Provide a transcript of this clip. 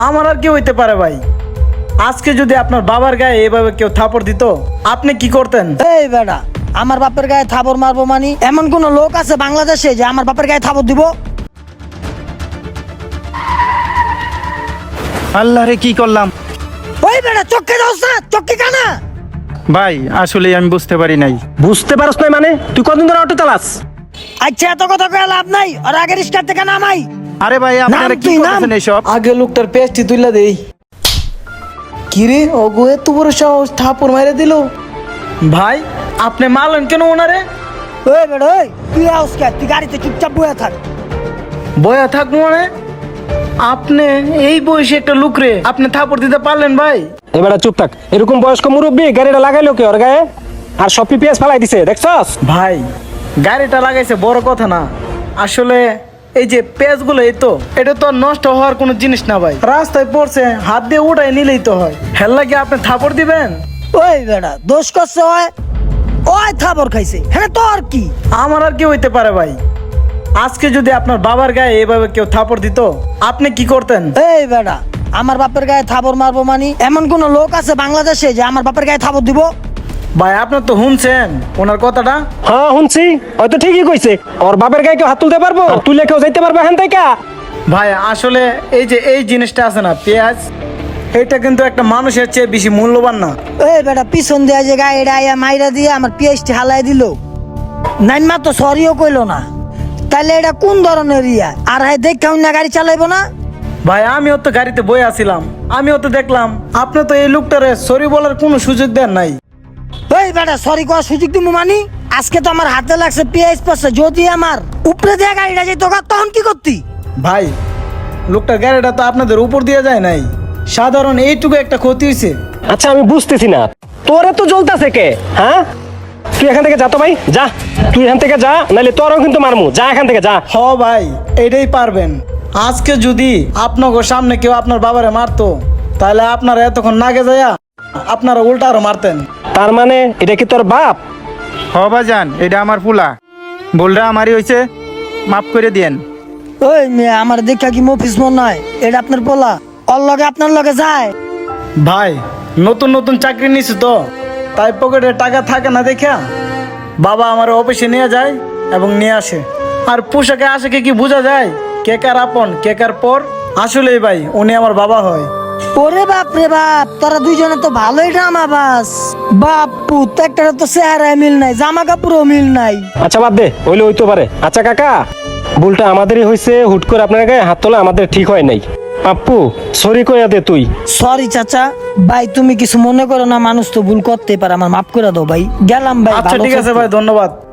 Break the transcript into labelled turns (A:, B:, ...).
A: আমার আর কি হইতে পারে ভাই? আজকে যদি আপনার বাবার গায়ে এভাবে কেউ থাপড় দিত, আপনি কি করতেন?
B: এই বেটা, আমার বাপের গায়ে থাবর মারবো মানে এমন কোন লোক আছে বাংলাদেশে যে আমার বাপের গায়ে থাবর দিব?
C: আল্লাহ রে, কি করলাম
B: ওই বেটা, চোখে যাও না, চোখে কানা।
C: ভাই? আসলে আমি বুঝতে পারি নাই।
D: বুঝতে পারছ না মানে? তুই কতদিন ধরে অটো চালাস?
B: আচ্ছা, এত কথা কয়ে লাভ নাই, আর আগে রিস্কার থেকে নামাই।
C: আরে ভাই, আপনারা কি
B: তুই নাম।
C: করতেছেন এইসব?
A: আগে লোকটার পেস্টি তুইলা দেই। কিরে ওগো, এত বড় সাহস, থাপড় মাইরে দিল। ভাই, আপনি মারলেন কেন ওনারে?
B: ওই বেটা, ওই তুই আউস কে? তুই গাড়িতে চুপচাপ বয়ে থাক।
A: বয়া থাকবো মানে? আপনি এই বয়সে একটা লোক রে আপনি থাপড় দিতে পারলেন ভাই?
D: এবার চুপ থাক। এরকম বয়স্ক মুরব্বী গাড়িটা লাগাইলো কে ওর গায়ে? আর সব পিপিএস ফালাই দিছে, দেখছস?
A: ভাই, গাড়িটা লাগাইছে বড় কথা না, আসলে এই যে পেঁয়াজগুলো, এই তো এটা তো আর নষ্ট হওয়ার কোনো জিনিস না ভাই। রাস্তায় পড়ছে, হাত দিয়ে উঠাই নিলেই তো হয়। হেল লাগে আপনি থাপড় দিবেন?
B: ওই বেটা, দোষ করছে ওই, ওই থাবর খাইছে, হ্যাঁ তোর কি?
A: আমার আর কি হইতে পারে ভাই? আজকে যদি আপনার বাবার গায়ে এভাবে কেউ থাপড় দিত, আপনি কি করতেন?
B: এই বেটা, আমার বাপের গায়ে থাবর মারবো মানে এমন কোন লোক আছে বাংলাদেশে যে আমার বাপের গায়ে থাবর দিব?
A: ভাই, আপনার তো শুনছেন ওনার কথাটা?
D: হ্যাঁ শুনছি, হয়তো ঠিকই কইছে। ওর বাপের গায়ে কেউ হাত তুলতে পারবো? আর তুলে কেউ যাইতে পারবে এখান থেকে?
A: ভাই, আসলে এই যে এই জিনিসটা আছে না, পেঁয়াজ, এটা কিন্তু একটা মানুষের চেয়ে বেশি মূল্যবান না।
B: এই বেটা, পিছন দিয়ে যে গাড়িটা আইয়া মাইরা দিয়ে আমার পিএইচটি হালাই দিল, নাইমা তো সরিও কইলো না। তাইলে এটা কোন ধরনের ইয়া? আর হাই দেখা না গাড়ি চালাইবো না?
A: ভাই, আমিও তো গাড়িতে বই আছিলাম, আমিও তো দেখলাম। আপনি তো এই লোকটারে সরি বলার কোনো সুযোগ দেন নাই।
B: এই বেটা, সরি করার সুযোগ দিব মানি? আজকে তো আমার হাতে লাগছে পিএইচ পাশে, যদি আমার উপরে দিয়ে গাড়িটা যেত তখন কি করতি?
A: ভাই, লোকটার গাড়িটা তো আপনাদের উপর দিয়ে যায় নাই, সাধারণ এইটুকু একটা ক্ষতি হয়েছে।
D: আচ্ছা, আমি বুঝতেছি না, তোরে তো জ্বলতাছে কে? হ্যাঁ, তুই এখান থেকে যা তো ভাই, যা। তুই এখান থেকে যা, নাহলে তোরও কিন্তু মারমু। যা এখান থেকে, যা।
A: হ ভাই, এটাই পারবেন। আজকে যদি আপনাকে সামনে কেউ আপনার বাবারে মারতো, তাহলে আপনারা এতক্ষণ নাগে যায়া আপনারা উল্টা আরো মারতেন।
D: তার মানে এটা কি তোর বাপ?
C: হ ভাইজান, এটা আমার ফুলা, ভুলটা আমারই হয়েছে, মাফ করে দিয়েন।
B: ওই মেয়ে, আমার দেখা কি মফিস মন নয়? এটা আপনার পোলা, ওর লগে আপনার লগে যায়?
A: ভাই, নতুন নতুন চাকরি নিছি তো, তাই পকেটে টাকা থাকে না দেখা বাবা আমার অফিসে নিয়ে যায় এবং নিয়ে আসে। আর পোশাকে আশাকে কি বোঝা যায় কে কার আপন কে কার পর? আসলেই ভাই, উনি আমার বাবা হয়।
B: ওরে বাপ রে বাপ, তোরা দুইজনে তো ভালোই ড্রামা বাস। বাপু, তো একটা তো চেহারায় মিল নাই, জামা কাপড়ও মিল নাই।
D: আচ্ছা বাদ দে, হইলে হইতে পারে। আচ্ছা কাকা, ভুলটা আমাদেরই হয়েছে। হুট করে আপনার গায়ে হাত তোলা আমাদের ঠিক হয় নাই। পাপ্পু, সরি কইয়া দে তুই।
B: সরি চাচা। ভাই, তুমি কিছু মনে করো না, মানুষ তো ভুল করতে পারে, আমার মাফ করে দাও ভাই। গেলাম ভাই,
A: আচ্ছা
B: ভালো
A: ঠিক আছে
B: থাকো।
A: ভাই, ধন্যবাদ।